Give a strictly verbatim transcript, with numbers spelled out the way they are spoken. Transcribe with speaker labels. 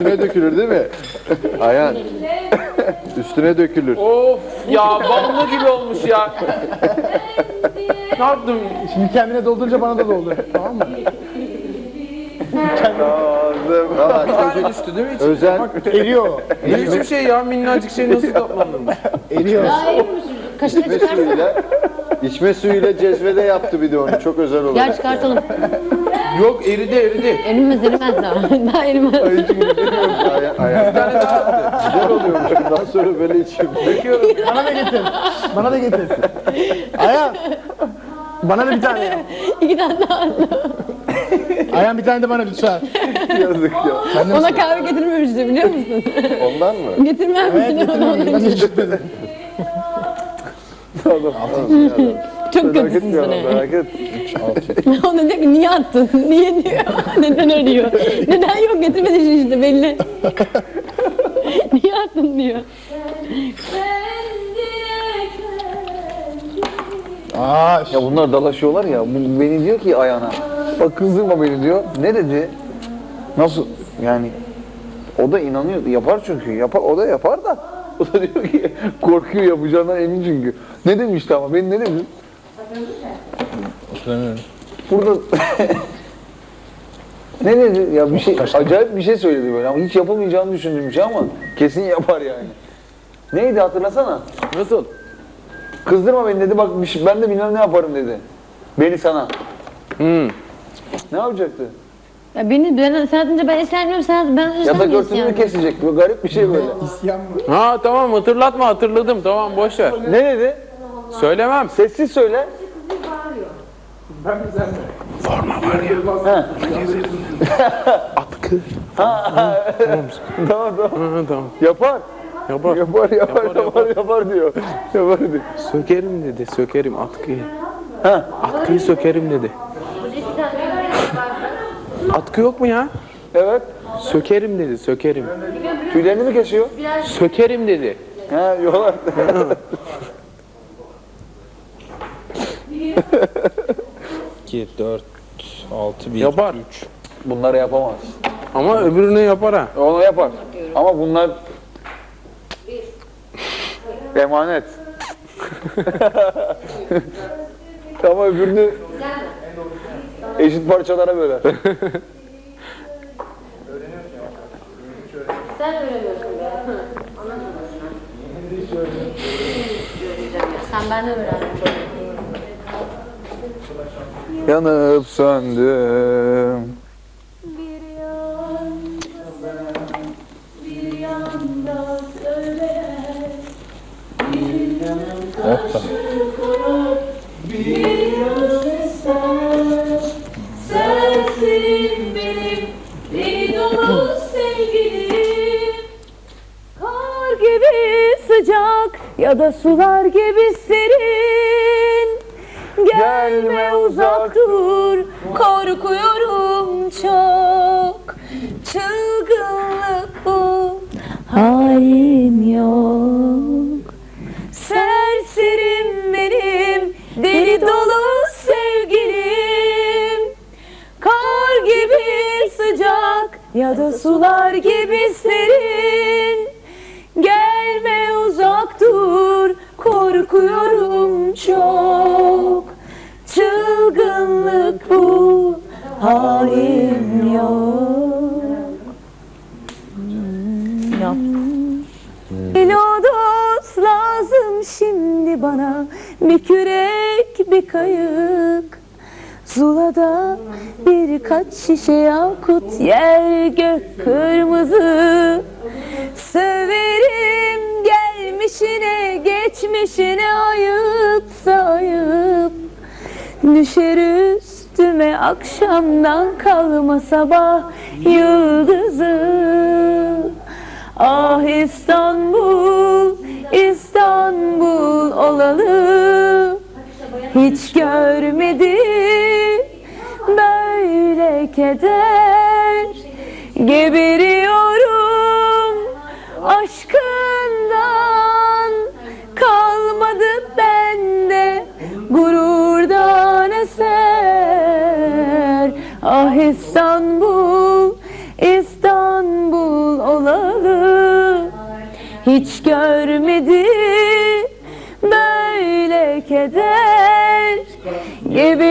Speaker 1: Üstüne dökülür değil mi? Ayhan. Üstüne dökülür.
Speaker 2: Of ya ballı gibi olmuş ya. Ne yaptım?
Speaker 3: Şimdi kendine doldurunca bana da doldur. Tamam mı?
Speaker 1: Lazım. Aa,
Speaker 2: Bir tane
Speaker 1: çocuk
Speaker 2: düştü değil mi hiç?
Speaker 1: özen.
Speaker 3: Eriyor.
Speaker 2: Ne biçim şey ya, minnacık şey nasıl toplanmış?
Speaker 3: Eriyor.
Speaker 4: Kaşığı
Speaker 1: İçme
Speaker 4: çıkarsana.
Speaker 1: suyuyla, içme suyuyla cezvede yaptı bir de onu. Çok özel olur.
Speaker 4: Gel çıkartalım.
Speaker 2: Yok eridi eridi.
Speaker 4: Erimez erimez daha. Daha erimez.
Speaker 1: Ay, hiç bilmiyorum. Ayhan, Ayhan.
Speaker 2: Bir tane daha attı.
Speaker 1: Güzel oluyormuş. Bundan sonra böyle içeyim.
Speaker 2: Döküyorum.
Speaker 3: Bana da getir. Bana da getir. Ayhan. Bana da bir tane ya.
Speaker 4: İki tane daha.
Speaker 3: Ayhan bir tane de bana lütfen.
Speaker 1: Yazık ya.
Speaker 4: Ona kahve getirmemişti biliyor musun?
Speaker 1: Ondan mı?
Speaker 4: Getirmemişti
Speaker 3: Evet
Speaker 4: ona.
Speaker 3: getirmedim. Ben de getirmedim.
Speaker 1: Tamam.
Speaker 4: Çok
Speaker 1: Merak
Speaker 4: kötüsün
Speaker 1: etme
Speaker 4: sen.
Speaker 1: ya, merak et.
Speaker 4: Ona diyor ki niye attın? Niye diyor. Neden arıyor? Neden yok getirmedin işte belli. Niye attın diyor.
Speaker 3: Aa,
Speaker 5: Ya bunlar dalaşıyorlar ya. Bu beni diyor ki ayağına. Bak kızdırma beni diyor. Ne dedi? Nasıl? Yani o da inanıyor. Yapar çünkü. Yapar. O da yapar da. O da diyor ki korkuyor yapacağından emin çünkü. Ne demişti ama? Ben ne dedim? Burada ne dedi? Ya bir şey acayip bir şey söyledi böyle ama hiç yapamayacağını düşündüğüm bir şey ama kesin yapar yani. Neydi hatırlasana?
Speaker 2: Nasıl?
Speaker 5: Kızdırma beni dedi. Bak bir şey- ben de bilmem ne yaparım dedi. Beni sana.
Speaker 2: Hmm.
Speaker 5: Ne yapacaktı?
Speaker 4: Ya beni ben sen atınca ben esermiyorum sen ben
Speaker 5: Yatak
Speaker 4: sen
Speaker 5: örtüsünü kesecek. Böyle garip bir şey böyle.
Speaker 3: isyan mı?
Speaker 2: Ha tamam hatırlatma, hatırladım, tamam boş ver.
Speaker 5: Ne dedi?
Speaker 2: Söylemem.
Speaker 5: Sessiz söyle.
Speaker 2: Atkı.
Speaker 5: Tamam tamam.
Speaker 2: Ha, tamam.
Speaker 5: Yapar.
Speaker 2: Yapar.
Speaker 5: Yapar yapar
Speaker 2: Yapar,
Speaker 5: yapar yapar diyor. Yapar diyor.
Speaker 2: Sökerim dedi, sökerim atkıyı.
Speaker 5: Ha.
Speaker 2: Atkıyı sökerim dedi. Atkı yok mu ya?
Speaker 5: Evet.
Speaker 2: Sökerim dedi, sökerim.
Speaker 5: Tüylerini mi kesiyor?
Speaker 2: Sökerim dedi.
Speaker 5: Ha yolar.
Speaker 6: iki, dört, altı, bir,
Speaker 2: Yapar.
Speaker 6: üç.
Speaker 5: Bunları yapamaz.
Speaker 2: Ama öbürünü yapar ha.
Speaker 5: Onu yapar. Ama bunlar emanet. Ama öbürünü eşit parçalara böler.
Speaker 4: Sen öğreniyorsun be. Sen benden öğrendin.
Speaker 5: Yanıp söndüm.
Speaker 7: Sensin benim deli dolu sevgilim. Kar gibi sıcak ya da sular gibi serin. Gelme uzak dur, korkuyorum çok. Çılgınlık bu, halim yok. Serserim benim, deli dolu sevgilim. Kar gibi sıcak ya da sular gibi serin. Gelme uzak dur, korkuyorum çok. Çılgınlık bu, halim yok. Lodos lazım şimdi bana, bir kürek bir kayık. Zula'da birkaç şişe yakut, yer gök kırmızı. Severim gelmişine geçmişine, ayıpsa ayıp. Düşer üstüme akşamdan kalma sabah yıldızı. Ah İstanbul, İstanbul olalı. Hiç görmedim böyle keder. Geberiyorum aşkından. Kalmadı bende gururdan eser. Ah İstanbul, İstanbul hiç görmedi böyle keder gibi